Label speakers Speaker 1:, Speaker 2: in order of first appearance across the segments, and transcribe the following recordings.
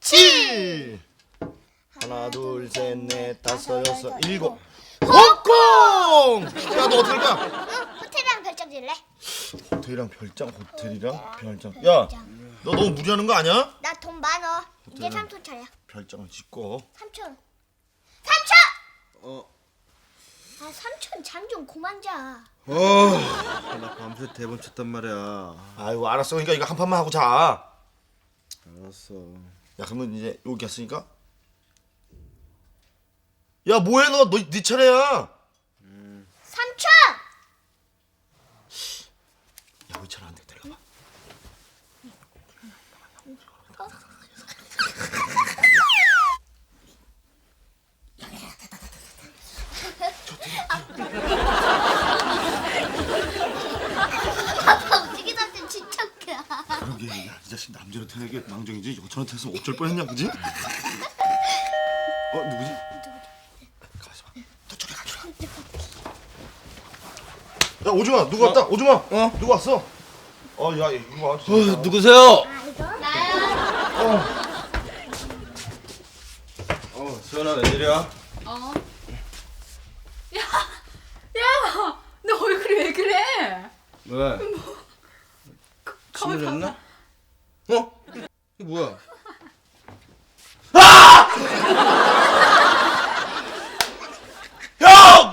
Speaker 1: 7. 하나 둘 셋 넷 다섯 여섯 일곱. 홍콩! 야, 너 어떻게 할 거야?
Speaker 2: 호텔이랑 별장 질래?
Speaker 1: 호텔이랑 별장, 호텔이랑 별장. 야, 너 너무 무리하는 거 아니야?
Speaker 2: 나 돈 많어. 이제 삼촌 차례야.
Speaker 1: 별장을 짓고.
Speaker 2: 삼촌.
Speaker 1: 어.
Speaker 2: 아 삼촌 잠 좀 그만 자.
Speaker 3: 나 밤새 대본 쳤단 말이야.
Speaker 1: 아이고, 알았어. 그러니까 이거 한 판만 하고 자.
Speaker 3: 알았어.
Speaker 1: 야, 그러면 이제 여기 왔으니까. 야, 뭐해 너? 네 차례야.
Speaker 2: 삼촌.
Speaker 1: 야, 의찬아 안 돼. 데려가.
Speaker 2: 아빠 움직이 삼촌 진짜 웃겨.
Speaker 1: 그러게, 야, 이 자식 남자로 태어나게 망정이지. 여자로 태어났으면 어쩔 뻔했냐, 그지? 누구지? 가만있어 봐. 너 저리 가, 저리 가. 야, 오줌아, 누구 왔다? 오줌아, 누구 왔어? 야, 이거 와.
Speaker 3: 누구세요?
Speaker 2: 아 이거?
Speaker 3: 수연아 웬일이야?
Speaker 4: 야, 너 얼굴이 왜 그래?
Speaker 3: 왜?
Speaker 4: 가만히
Speaker 3: 침을
Speaker 4: 봐봐.
Speaker 3: 했나? 이게 뭐야?
Speaker 1: 형!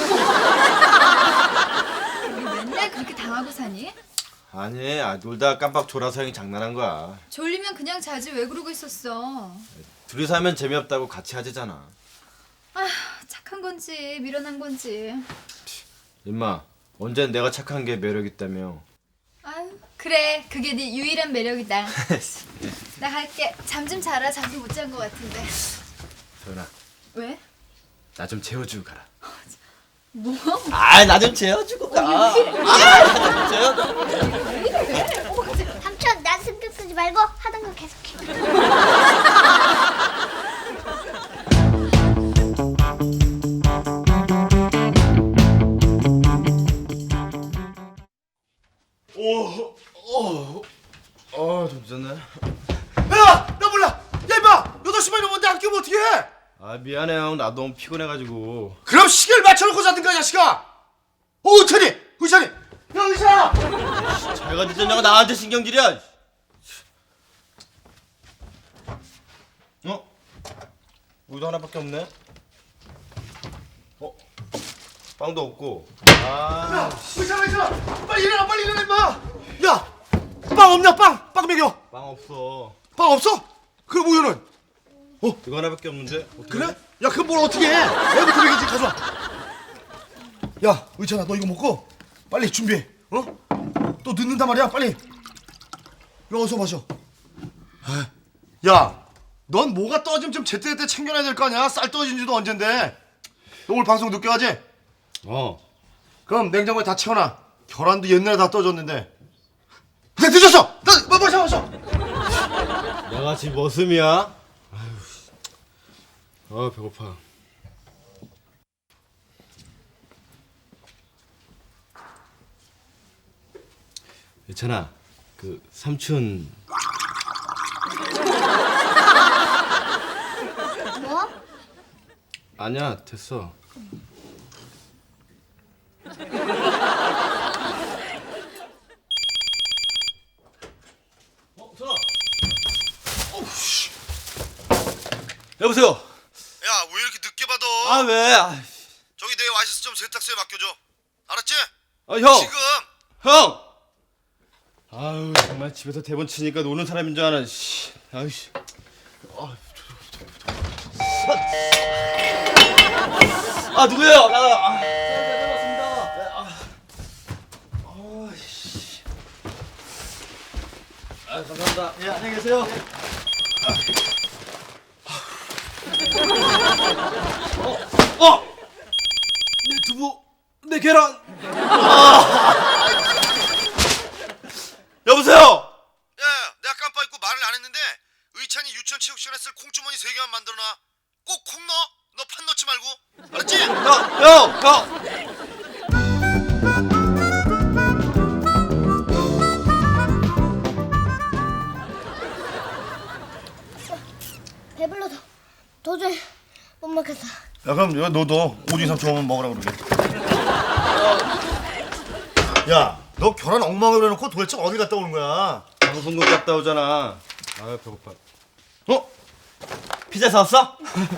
Speaker 4: 맨날 그렇게 당하고 사니?
Speaker 3: 아니, 놀다가 깜빡 졸아서 형이 장난한 거야.
Speaker 4: 졸리면 그냥 자지 왜 그러고 있었어?
Speaker 3: 둘이서 하면 재미없다고 같이 하자잖아.
Speaker 4: 아휴, 착한 건지 미련한 건지.
Speaker 3: 임마, 언젠 내가 착한 게 매력 있다며.
Speaker 4: 아유, 그래, 그게 네 유일한 매력이다. 나 갈게. 잠 좀 자라. 잠도 못 잔 것 같은데.
Speaker 3: 수연아,
Speaker 4: 왜?
Speaker 3: 나 좀 재워주고 가라.
Speaker 4: 뭐?
Speaker 3: 나 좀 재워주고 가. 나 좀 재워주고.
Speaker 2: 삼촌 난 신경 쓰지 말고 하던 거 계속해.
Speaker 3: 좀 늦었네.
Speaker 1: 야, 나 몰라. 야, 임마, 8시만 넘었는데 안 깨면 어떡해?
Speaker 3: 미안해 형. 나도 너무 피곤해가지고.
Speaker 1: 그럼 시계를 맞춰놓고 자든가, 자식아. 의찬이, 야, 의찬아.
Speaker 3: 자기가 늦었냐고 나한테 신경질이야. 우유도 하나밖에 없네. 빵도 없고.
Speaker 1: 의찬아, 빨리 일어나, 임마. 야, 빵 없냐, 빵 먹여.
Speaker 3: 빵 없어.
Speaker 1: 빵 없어? 그럼 우유는?
Speaker 3: 이거 하나밖에 없는데. 어떡해?
Speaker 1: 그래? 야, 그럼 뭘 어떻게 해? 애부터 먹이지, 가져와. 야, 의찬아, 너 이거 먹고 빨리 준비해. 또 늦는단 말이야, 빨리. 야, 어서 마셔. 야, 넌 뭐가 떨어지면 좀 제때제때 챙겨놔야 될 거 아니야? 쌀 떨어진 지도 언젠데. 너 오늘 방송 늦게 하지? 그럼 냉장고에 다 채워놔. 계란도 옛날에 다 떨어졌는데. 근데 늦었어! 마셔!
Speaker 3: 내가 지금 머슴이야? 배고파. 예찬아, 그 삼촌.
Speaker 2: 뭐?
Speaker 3: 아니야, 됐어. 전화. 여보세요.
Speaker 1: 야, 왜 이렇게 늦게 받아?
Speaker 3: 왜?
Speaker 1: 저기 내 와이셔츠 좀 세탁소에 맡겨줘. 알았지?
Speaker 3: 형.
Speaker 1: 지금.
Speaker 3: 형. 정말 집에서 대본 치니까 노는 사람인 줄 아나. 누구예요? 감사합니다. 예, 안녕히 계세요. 내 두부, 내 계란. 여보세요.
Speaker 1: 야, 내가 깜빡 잊고 말을 안 했는데 의찬이 유치원 체육 시간에 쓸 콩주머니 3개만 만들어놔. 꼭 콩 넣어. 너 판 넣지 말고. 알았지?
Speaker 3: 형.
Speaker 2: 배불러서 도저히 못 먹겠어.
Speaker 1: 야 그럼 너도 오징어 삼촌 먹으라 그러게. 야 너 계란 엉망으로 해놓고 도대체 어디 갔다 오는 거야?
Speaker 3: 방송국 갔다 오잖아. 아 배고파.
Speaker 1: 어?
Speaker 3: 피자 사왔어?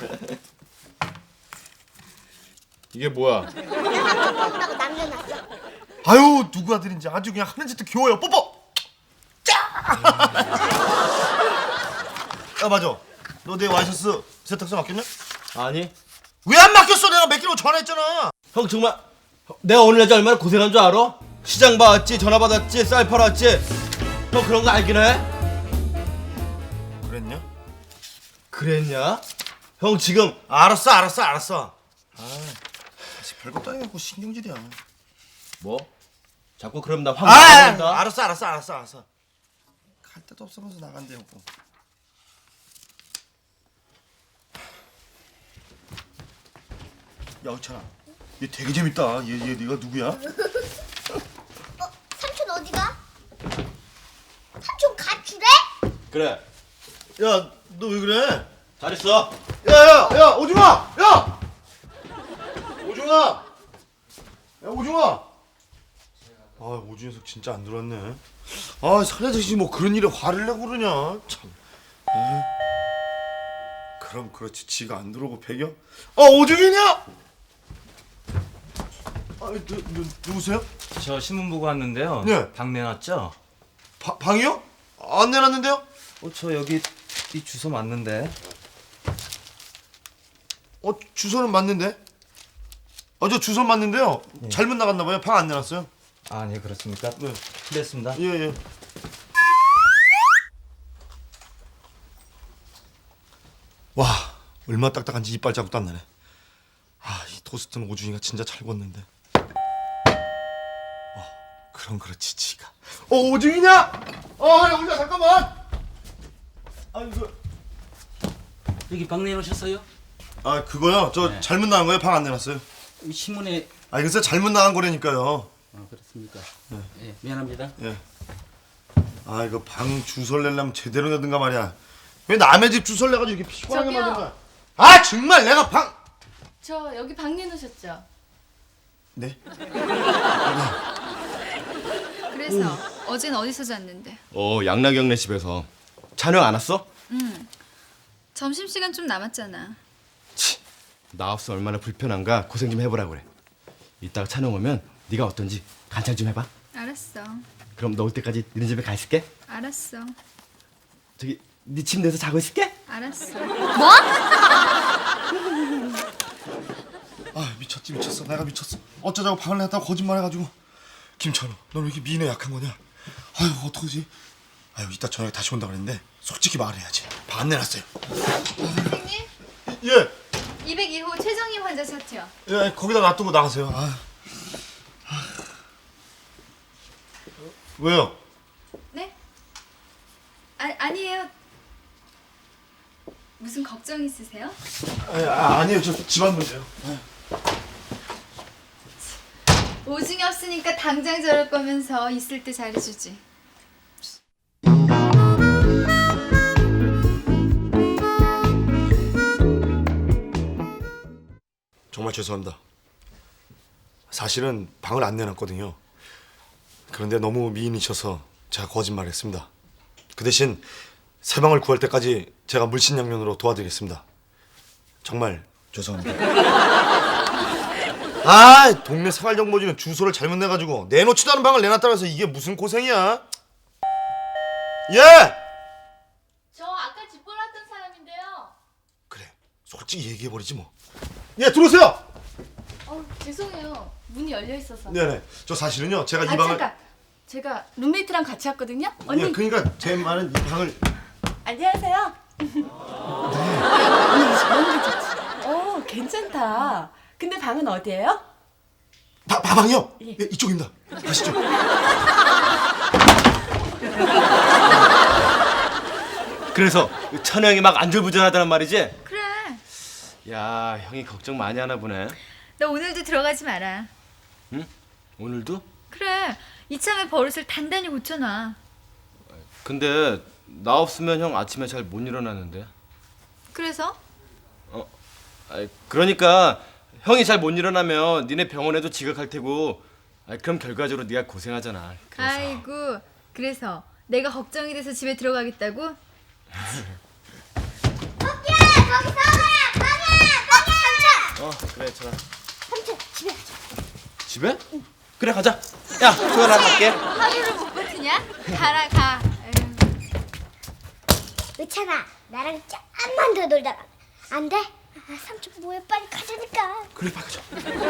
Speaker 3: 이게 뭐야?
Speaker 2: 먹는다고 남겨놨어.
Speaker 1: 아유 누구 아들인지 아주 그냥 하는 짓도 귀여워요. 뽀뽀. 짜. 야 맞아. 너 내 와이셔츠 세탁소 맡겼냐?
Speaker 3: 아니.
Speaker 1: 왜 안 맡겼어? 내가 맡기라고 전화했잖아.
Speaker 3: 형 정말 내가 오늘 낮에 얼마나 고생한 줄 알아? 시장 봐왔지, 전화 받았지, 쌀 팔았지. 형 그런 거 알긴 해?
Speaker 1: 그랬냐?
Speaker 3: 그랬냐? 형 지금
Speaker 1: 알았어. 아 사실 별것도 아니고 신경질이야.
Speaker 3: 뭐? 자꾸 그럼 나
Speaker 1: 아,
Speaker 3: 황 나간다.
Speaker 1: 알았어. 갈 데도 없으면서 나간대 뭐. 야, 의찬아, 얘 되게 재밌다. 얘 네가 누구야?
Speaker 2: 삼촌 어디가? 삼촌 가출해?
Speaker 3: 그래.
Speaker 1: 야, 너 왜 그래?
Speaker 3: 잘했어.
Speaker 1: 야, 오중아, 야, 오중아. 아, 오중에서 진짜 안 들어왔네. 아, 사내자식이 뭐 그런 일에 화를 내고 그러냐? 참. 에이. 그럼 그렇지, 지가 안 들어오고 배겨? 오중이냐? 누구세요?
Speaker 5: 저 신문 보고 왔는데요.
Speaker 1: 네.
Speaker 5: 방 내놨죠?
Speaker 1: 방이요? 안 내놨는데요?
Speaker 5: 저 여기 이 주소 맞는데.
Speaker 1: 주소는 맞는데? 저 주소 맞는데요. 잘못 나갔나 봐요. 방 안 내놨어요.
Speaker 5: 아, 네, 그렇습니까?
Speaker 1: 네.
Speaker 5: 됐습니다.
Speaker 1: 예. 와, 얼마 딱딱한지 이빨 자국도 안 나네. 이 토스트는 오준이가 진짜 잘 구웠는데. 그럼 그렇지, 지가. 오준이냐? 야, 우리야 잠깐만. 이거.
Speaker 6: 여기 방 내놓으셨어요?
Speaker 1: 그거요. 저
Speaker 6: 네.
Speaker 1: 잘못 나간 거예요. 방 안 내놨어요.
Speaker 6: 신문에
Speaker 1: 글쎄 잘못 나간 거라니까요.
Speaker 6: 그렇습니까? 예, 미안합니다.
Speaker 1: 예. 이거 방 주소를 내려면 제대로 내든가 말이야. 왜 남의 집 주소를 내가지고 이렇게 피곤하게
Speaker 4: 저기요.
Speaker 1: 만든 거야? 정말 내가 방.
Speaker 4: 저 여기 방 내놓으셨죠?
Speaker 1: 네?
Speaker 4: 그래서 어젠 어디서 잤는데?
Speaker 3: 양락영네 집에서. 찬영 안 왔어?
Speaker 4: 점심시간 좀 남았잖아.
Speaker 3: 나 없어 얼마나 불편한가 고생 좀 해보라 그래. 이따가 찬영 오면 네가 어떤지 관찰 좀 해봐.
Speaker 4: 알았어.
Speaker 3: 그럼 너 올 때까지 너네 집에 가 있을게.
Speaker 4: 알았어.
Speaker 3: 저기 네 침대에서 자고 있을게.
Speaker 4: 알았어.
Speaker 1: 미쳤어. 내가 미쳤어. 어쩌자고 방을 냈다고 거짓말해가지고. 김찬우, 넌 왜 이렇게 미인에 약한 거냐? 어떡하지? 이따 저녁에 다시 온다 그랬는데 솔직히 말해야지. 방 안 내놨어요.
Speaker 4: 선생님,
Speaker 1: 예.
Speaker 4: 202호 최정희 환자 차트요.
Speaker 1: 예, 거기다 놔두고 나가세요. 왜요?
Speaker 4: 네? 아니에요. 무슨 걱정 있으세요?
Speaker 1: 아니에요. 저 집안 문제요.
Speaker 4: 오중이 없으니까 당장 저럴 거면서 있을 때 잘해주지.
Speaker 1: 정말 죄송합니다. 사실은 방을 안 내놨거든요. 그런데 너무 미인이셔서 제가 거짓말했습니다. 그 대신 새 방을 구할 때까지 제가 물신양면으로 도와드리겠습니다. 정말 죄송합니다. 동네 생활정보지는 주소를 잘못 내가지고 내놓지도 않은 방을 내놨다고 해서 이게 무슨 고생이야? 예!
Speaker 7: 저 아까 집 보놨던 사람인데요.
Speaker 1: 그래, 솔직히 얘기해버리지 뭐. 예, 들어오세요!
Speaker 7: 죄송해요. 문이 열려 있어서.
Speaker 1: 네네, 저 사실은요 제가 이 방을
Speaker 7: 잠깐. 제가 룸메이트랑 같이 왔거든요. 언니.
Speaker 1: 예, 그러니까 제 말은 이 방을
Speaker 7: 안녕하세요. 언니 저런 게 좋지. 괜찮다. 근데 방은 어디예요?
Speaker 1: 방이요?
Speaker 7: 예.
Speaker 1: 예, 이쪽입니다. 가시죠.
Speaker 3: 그래서 찬영이 막 안절부절하다는 말이지?
Speaker 4: 그래.
Speaker 3: 야 형이 걱정 많이 하나 보네.
Speaker 4: 너 오늘도 들어가지 마라.
Speaker 3: 응? 오늘도?
Speaker 4: 그래. 이참에 버릇을 단단히 고쳐놔.
Speaker 3: 근데 나 없으면 형 아침에 잘 못 일어나는데.
Speaker 4: 그래서?
Speaker 3: 아이, 그러니까 형이 잘 못 일어나면 니네 병원에도 지각할 테고. 아이, 그럼 결과적으로 네가 고생하잖아. 그래서.
Speaker 4: 아이고, 그래서 내가 걱정이 돼서 집에 들어가겠다고?
Speaker 2: 거기야 거기 서거야 거기
Speaker 3: 그래, 전화.
Speaker 2: 삼촌 집에 가자.
Speaker 3: 집에? 그래, 가자. 야, 소연아 갈게.
Speaker 4: 하루를 못 버티냐? 가라 가. 에휴.
Speaker 2: 의찬아 나랑 조금만 더 놀다가 안 돼? 아, 삼촌 뭐해 빨리 가자니까.
Speaker 3: 그래, 빨리 가자.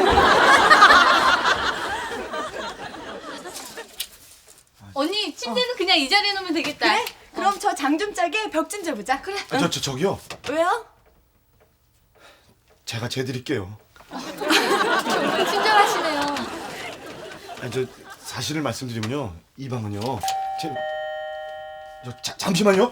Speaker 7: 언니 침대는 그냥 이 자리에 놓으면 되겠다. 그래? 그럼 저 장 좀 짜게 벽 좀 재보자. 그래.
Speaker 1: 저기요.
Speaker 7: 왜요?
Speaker 1: 제가 재드릴게요.
Speaker 7: 친절하시네요.
Speaker 1: 아니, 저 사실을 말씀드리면요. 이 방은요. 잠시만요.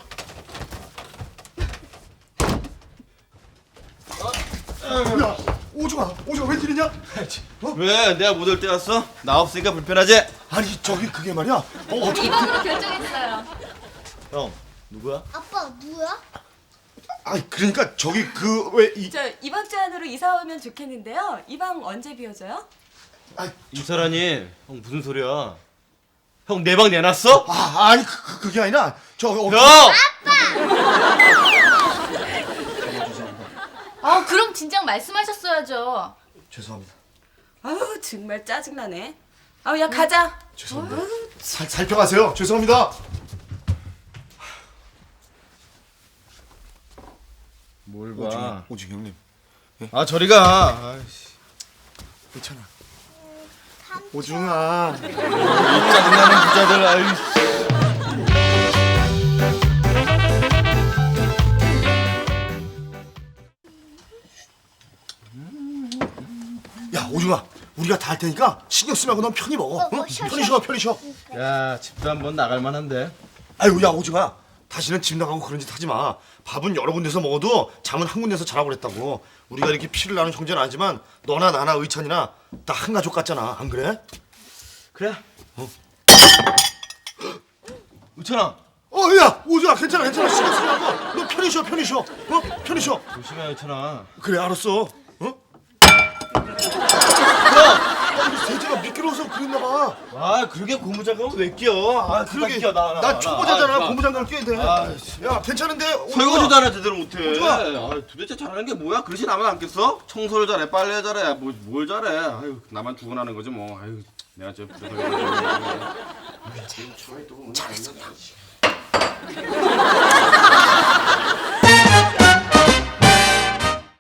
Speaker 1: 야, 오중아 웬일이냐?
Speaker 3: 왜? 내가 못 올 때 왔어? 나 없으니까 불편하지?
Speaker 1: 아니 저기 그게 말이야. 어떻게?
Speaker 4: 이 방으로 결정했어요.
Speaker 3: 형, 누구야?
Speaker 2: 아빠 누구야?
Speaker 1: 아니 그러니까 저기 그 왜 이?
Speaker 7: 저 이번 주 안으로 이사 오면 좋겠는데요. 이 방 언제 비워져요?
Speaker 3: 이사라니, 형 무슨 소리야? 형 내 방 내놨어?
Speaker 1: 아니 그게 아니라
Speaker 3: 형!
Speaker 7: 아 그럼 진작 말씀하셨어야죠.
Speaker 1: 죄송합니다.
Speaker 7: 아우 정말 짜증나네. 아우 야 가자.
Speaker 1: 죄송합니다. 살펴가세요. 죄송합니다.
Speaker 3: 뭘 봐?
Speaker 1: 오중 형님.
Speaker 3: 아, 저리 가. 아이씨.
Speaker 1: 괜찮아. 오중아.
Speaker 3: 짜증나는 부자들. 아이씨.
Speaker 1: 야 오중아. 우리가 다 할 테니까 신경 쓰지 말고 넌 편히 먹어. 응?
Speaker 2: 쉬어,
Speaker 1: 편히 쉬어.
Speaker 3: 야, 집도 한번 나갈 만한데.
Speaker 1: 아유 야 오중아. 다시는 집 나가고 그런 짓 하지 마. 밥은 여러 군데서 먹어도 잠은 한 군데서 자라고 그랬다고. 우리가 이렇게 피를 나눈 형제는 아니지만 너나 나나 의찬이나 다 한 가족 같잖아. 안 그래?
Speaker 3: 그래. 의찬아.
Speaker 1: 야 오중아 괜찮아 신경 쓰지 말고 너 편히 쉬어. 편히 쉬어.
Speaker 3: 조심해, 의찬아.
Speaker 1: 그래 알았어. 세제가 미끄러워서 그랬나 봐.
Speaker 3: 아, 그러게 고무장갑은 왜 끼어? 아,
Speaker 1: 그러게
Speaker 3: 끼어,
Speaker 1: 나 초보자잖아.
Speaker 3: 아,
Speaker 1: 고무장갑 껴야 돼.
Speaker 3: 아이씨.
Speaker 1: 야 괜찮은데?
Speaker 3: 설거지도 하나 제대로 못해.
Speaker 1: 좋아.
Speaker 3: 아, 도대체 잘하는 게 뭐야? 그릇이 나만 안 깼어? 청소를 잘해, 빨래 잘해, 뭘 잘해? 아유, 나만 죽어나는 거지 뭐. 아유, 내가 저 부족하게. 잘했어.